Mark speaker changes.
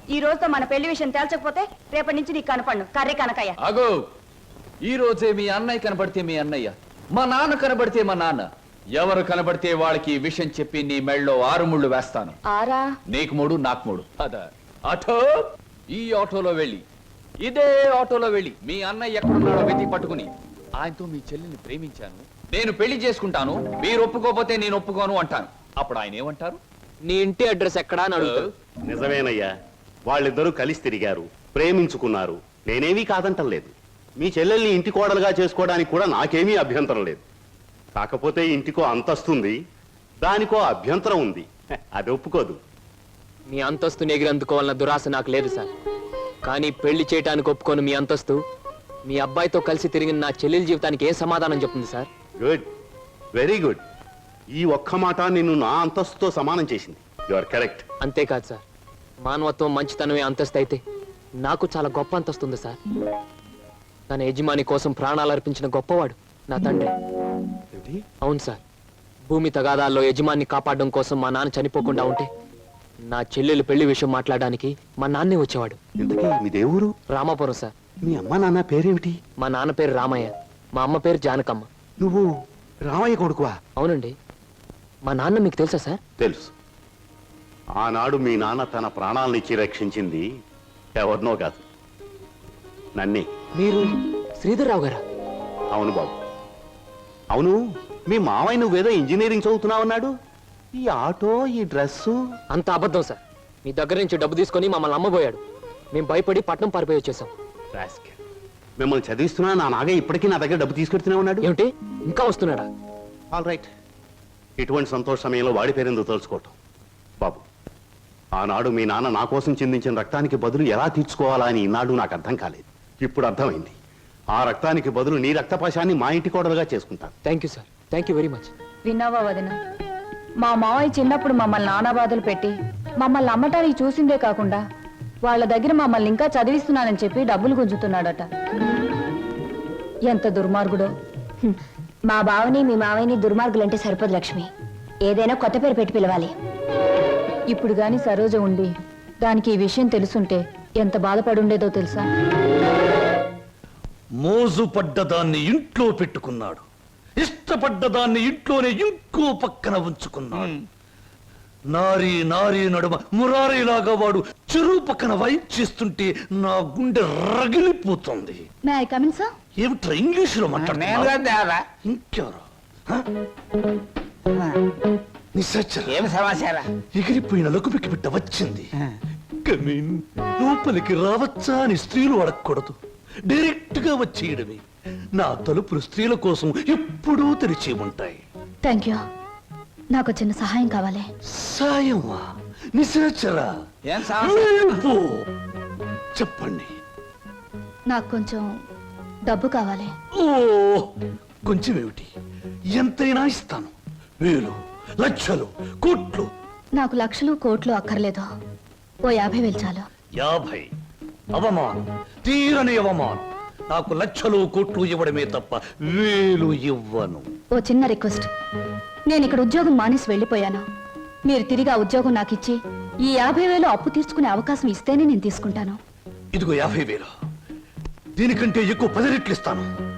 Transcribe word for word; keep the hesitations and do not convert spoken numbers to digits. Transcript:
Speaker 1: ఈ రోజుతో మన పెళ్లి విషయం తేల్చకపోతే రేపటి నుంచి నీకు కనపడను కర్రీ కనకయ్య.
Speaker 2: అగో ఈ రోజే మీ అన్నయ్య కనబడితే మీ అన్నయ్య, మా నాన్న కనబడితే మా నాన్న, ఎవరు కనబడితే వాళ్ళకి ఈ విషయం చెప్పి నీ మెళ్ళలో ఆరు ముళ్ళు వేస్తాను.
Speaker 1: ఆరా?
Speaker 2: నీకు మూడు నాకు మూడు. అదా ఆటో, ఈ ఆటోలో వెళ్ళి ఇదే ఆటోలో వెళ్ళి మీ అన్నయ్య ఎక్కడున్నాడో వెతికి పట్టుకుని ఆయనతో మీ చెల్లిని ప్రేమించాను, నేను పెళ్లి చేసుకుంటాను, మీరు ఒప్పుకోపోతే నేను ఒప్పుకోను అంటాను. అప్పుడు ఆయన ఏమంటారు?
Speaker 3: నీ ఇంటి అడ్రస్ ఎక్కడా అని అడుగుతారు.
Speaker 4: నిజమేనయ్యా, వాళ్ళిద్దరూ కలిసి తిరిగారు, ప్రేమించుకున్నారు. నేనేమీ కాదంటం లేదు. మీ చెల్లెల్ని ఇంటి కోడలుగా చేసుకోవడానికి కూడా నాకేమీ అభ్యంతరం లేదు. కాకపోతే ఇంటికో అంతస్తుంది, దానికో అభ్యంతరం ఉంది. అది ఒప్పుకోదు.
Speaker 3: మీ అంతస్తుని ఎగిరందుకోవాలన్న దురాశ నాకు లేదు సార్. కానీ పెళ్లి చేయటానికి ఒప్పుకోను మీ అంతస్తు మీ అబ్బాయితో కలిసి తిరిగిన నా చెల్లెల జీవితానికి ఏం సమాధానం చెప్తుంది సార్?
Speaker 4: Good, very good. ఈ ఒక్క మాట నిన్ను నా అంతస్తుతో సమానం చేసింది. You are correct.
Speaker 3: అంతేకాదు సార్, మానవత్వం మంచితనమే అంతస్తు అయితే నాకు చాలా గొప్ప అంతస్తుంది సార్. తన యజమాని కోసం ప్రాణాలు అర్పించిన గొప్పవాడు నా తండ్రి. అవును సార్, భూమి తగాదాల్లో యజమాన్ని కాపాడడం కోసం మా నాన్న చనిపోకుండా ఉంటే నా చెల్లెలు పెళ్లి విషయం మాట్లాడడానికి మా నాన్నే వచ్చేవాడు.
Speaker 4: ఇంతకీ మీ దేవురు?
Speaker 3: రామాపురం సార్.
Speaker 4: మీ అమ్మ నాన్న పేరేమిటి?
Speaker 3: మా నాన్న పేరు రామయ్య, మా అమ్మ పేరు జానకమ్మ.
Speaker 4: నువ్వు రామయ్య కొడుకువా?
Speaker 3: అవునండి. మా నాన్న మీకు తెలుసా సార్?
Speaker 4: తెలుసు. ఆనాడు మీ నాన్న తన ప్రాణాలనిచ్చి రక్షించింది ఎవరినో కాదు, నన్నే.
Speaker 3: మీరు శ్రీధర్రావు గారా?
Speaker 4: అవును బాబు, అవును. మీ మావయ్య నువ్వేదో ఇంజనీరింగ్ చదువుతున్నావన్నాడు. ఈ ఆటో, ఈ డ్రెస్సు
Speaker 3: అంత అబద్ధం సార్. మీ దగ్గర నుంచి డబ్బు తీసుకొని మమ్మల్ని అమ్మబోయాడు. మేము భయపడి పట్నం పారిపోయి వచ్చేసాం.
Speaker 4: మిమ్మల్ని చదివిస్తున్నా నా నాగే ఇప్పటికీ నా దగ్గర డబ్బు తీసుకెడుతూనే ఉన్నాడు.
Speaker 3: ఏమిటి, ఇంకా వస్తున్నాడా?
Speaker 4: All right. ఇటువంటి సంతోష సమయంలో వాడి పేరెందుకు తలుచుకోవటం బాబు. ఆనాడు మీ నాన్న నా కోసం చిందించిన రక్తానికి బదులు ఎలా తీర్చుకోవాలా అని ఈనాడు నాకు అర్థం కాలేదు. ఇప్పుడు అర్థమైంది. ఆ రక్తానికి బదులు నీ రక్తపాశాన్ని మా ఇంటి కోడలుగా చేసుకుంటాను.
Speaker 3: Thank you sir, thank you very much.
Speaker 1: విన్నావా వదిన, మా మావయ్య చిన్నప్పుడు మమ్మల్ని నానా బాధలు పెట్టి మమ్మల్ని అమ్మటానికి చూసిందే కాకుండా వాళ్ళ దగ్గర మమ్మల్ని ఇంకా చదివిస్తున్నానని చెప్పి డబ్బులు గుంజుతున్నాడట. ఎంత దుర్మార్గుడో.
Speaker 5: మా బావని మీ మావయ్యని దుర్మార్గులంటే సరిపోదు లక్ష్మి. ఏదైనా కొత్త పేరు పెట్టి పిలవాలి.
Speaker 1: ఇప్పుడు గాని సరోజ ఉండి దానికి ఈ విషయం తెలుసుంటే ఎంత బాధపడుండేదో తెలుసా?
Speaker 6: మోజు పడ్డదాన్ని ఇంట్లో పెట్టుకున్నాడు, ఇష్టపడ్డదాన్ని ఇంట్లోనే ఇంకో పక్కన ఉంచుకున్నాడు. నారీ నారీ నడుమ మురారీలాగా వాడు చెరువు పక్కన వైప్ చేస్తుంటే నా గుండె రగిలిపోతుంది. ఏమిట్రా ఇంగ్లీషులో మాట్లాడుతున్నా? ఇంకెవరు? ఎగిరిపోయిన లకుపికి బిడ్డ వచ్చింది. కమీన్, లోపలికి రావచ్చా అని స్త్రీలు అడగకూడదు, డైరెక్ట్ గా వచ్చేయడమే. నా తలుపులు స్త్రీల కోసం ఎప్పుడూ తెరిచి ఉంటాయి.
Speaker 5: Thank you. నాకు చిన్న సహాయం కావాలి.
Speaker 6: సాయమా? నిశాచరా, చెప్పండి.
Speaker 5: నాకు కొంచెం డబ్బు కావాలి.
Speaker 6: ఓ, కొంచెం ఏమిటి, ఎంతైనా ఇస్తాను. వేలు, లక్షలు, కోట్లు.
Speaker 5: నాకు లక్షలు కోట్లు అక్కర్లేదు. ఓ యాభై వేలు చాలు.
Speaker 6: యాభై? అవమానం, తీరని అవమానం. నాకు లక్షలు కోట్లు ఇవ్వడమే తప్ప వేలు ఇవ్వను.
Speaker 5: ఓ చిన్న రిక్వెస్ట్. నేను ఇక్కడ ఉద్యోగం మానేసి వెళ్ళిపోయాను. మీరు తిరిగి ఆ ఉద్యోగం నాకు ఇచ్చి ఈ యాభై వేలు అప్పు తీర్చుకునే అవకాశం ఇస్తేనే నేను తీసుకుంటాను.
Speaker 6: ఇదిగో యాభై వేలు. దీనికంటే ఎక్కువ పది రెట్లు ఇస్తాను.